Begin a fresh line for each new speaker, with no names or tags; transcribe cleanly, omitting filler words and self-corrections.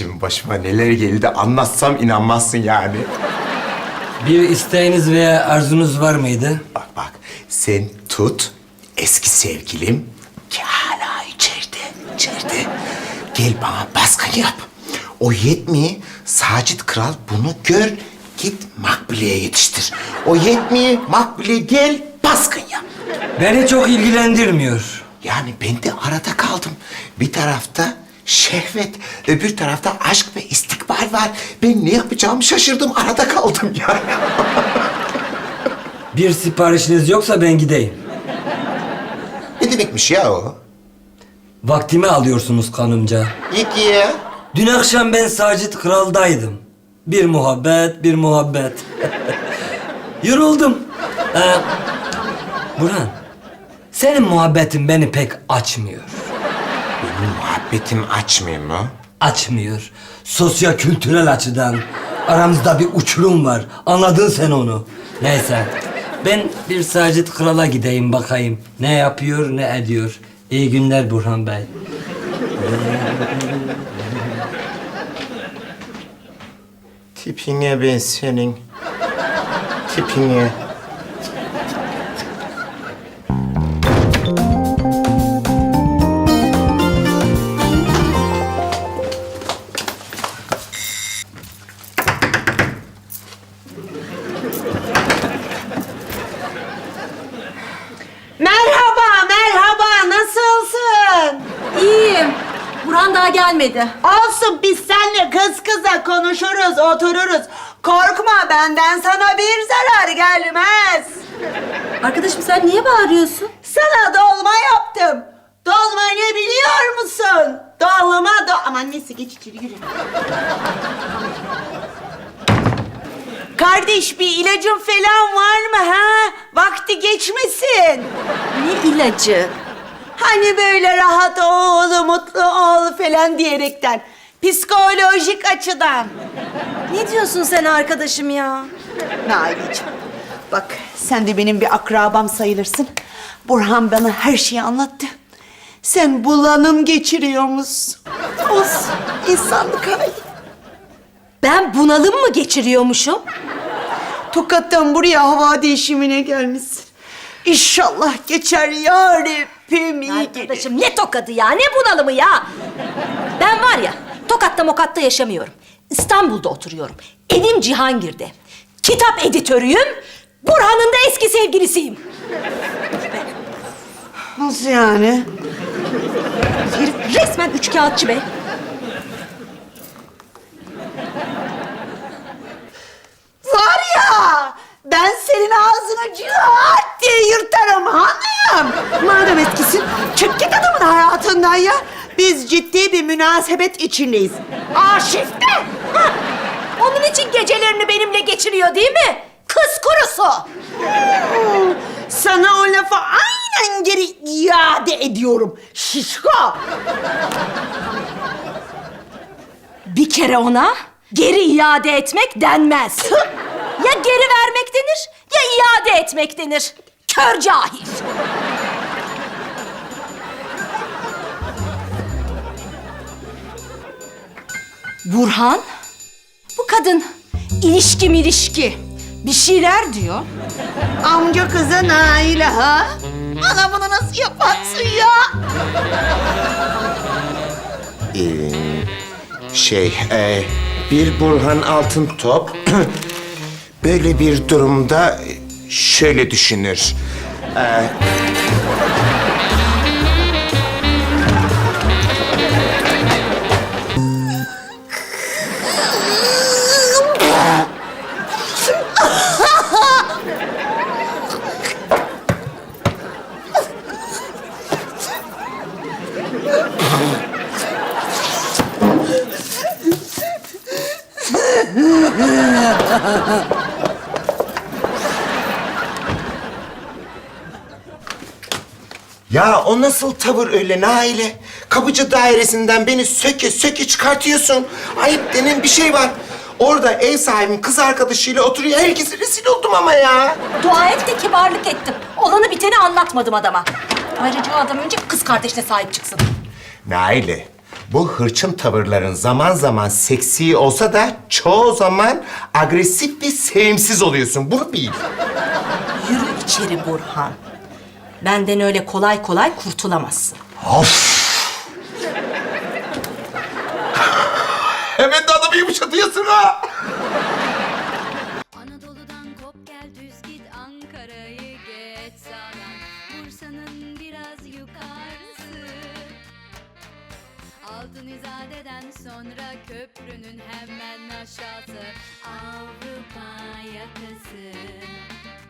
Şimdi başıma neler geldi anlatsam inanmazsın yani.
Bir isteğiniz veya arzunuz var mıydı?
Bak bak, sen tut eski sevgilim ki hala içeride. Gel bana baskın yap. O yetmiyor, Sacit Kral bunu gör, git Makbule'ye yetiştir. O yetmiyor, Makbule gel baskın yap.
Beni çok ilgilendirmiyor.
Yani ben de arada kaldım. Bir tarafta şehvet, öbür tarafta aşk ve istikbal var. Ben ne yapacağımı şaşırdım, arada kaldım ya.
Bir siparişiniz yoksa ben gideyim.
Ne demekmiş ya o?
Vaktimi alıyorsunuz kanımca.
Git ya.
Dün akşam ben Sacit Kral'daydım. Bir muhabbet. Yoruldum. Burhan, senin muhabbetin beni pek açmıyor.
Benim muhabbetim açmıyor mu?
Açmıyor. Sosyo-kültürel açıdan aramızda bir uçurum var. Anladın sen onu. Neyse, ben bir Sacit Kral'a gideyim bakayım. Ne yapıyor, ne ediyor. İyi günler Burhan Bey.
Tipine ben senin. Tipine.
Merhaba, nasılsın?
İyiyim. Burhan daha gelmedi.
Olsun, biz seninle kız kıza konuşuruz, otururuz. Korkma, benden sana bir zarar gelmez.
Arkadaşım sen niye bağırıyorsun?
Sana dolma yaptım. Dolma ne biliyor musun? Aman neyse, geç içeri, yürü. Kardeş, bir ilacın falan var mı ha? Vakti geçmesin.
Ne ilacı?
Hani böyle rahat ol, mutlu ol falan diyerekten. Psikolojik açıdan.
Ne diyorsun sen arkadaşım ya?
Naileciğim, bak sen de benim bir akrabam sayılırsın. Burhan bana her şeyi anlattı. Sen bulanım geçiriyormuşsun. Olsun, insanlık hali.
Ben bunalım mı geçiriyormuşum?
Tokat'tan buraya hava değişimine gelmişsin. İnşallah geçer ya Rabbim, iyi gelir.
Arkadaşım ne tokadı ya, ne bunalımı ya? Ben var ya, Tokat'ta Mokat'ta yaşamıyorum. İstanbul'da oturuyorum. Evim Cihangir'de. Kitap editörüyüm. Burhan'ın da eski sevgilisiyim.
Nasıl yani?
Herif resmen üçkağıtçı be.
Var ya, ben senin ağzını cırt diye yırtarım hanım. Madem etkisin, çık git adamın hayatından ya. Biz ciddi bir münasebet içindeyiz. Arşivde.
Hah! Onun için gecelerini benimle geçiriyor değil mi? Kız kurusu.
Sana o lafı aynen geri iade ediyorum. Şişko.
Bir kere ona geri iade etmek denmez. Ya geri vermek denir ya iade etmek denir. Kör cahil. Burhan, bu kadın ilişki bir şeyler diyor.
Amca kızı Naile ha? Bana bunu nasıl yaparsın ya?
Bir Burhan Altıntop böyle bir durumda şöyle düşünür. Ya o nasıl tavır öyle Naile? Kapıcı dairesinden beni söke çıkartıyorsun. Ayıp denen bir şey var. Orada ev sahibim kız arkadaşıyla oturuyor. Herkese rezil oldum ama ya.
Dua et de kibarlık ettim. Olanı biteni anlatmadım adama. Ayrıca o adam önce kız kardeşine sahip çıksın.
Naile, Bu hırçın tavırların zaman zaman seksi olsa da çoğu zaman agresif ve sevimsiz oluyorsun. Bunu bil.
Yürü içeri Burhan. Benden öyle kolay kolay kurtulamazsın.
Of! Hemen de adamı yumuşatıyorsun ha!
Anadolu'dan kop gel düz git Ankara'yı geç sağdan Bursa'nın biraz yukarısı Altın İzade'den sonra köprünün hemen aşağısı Avrupa yakası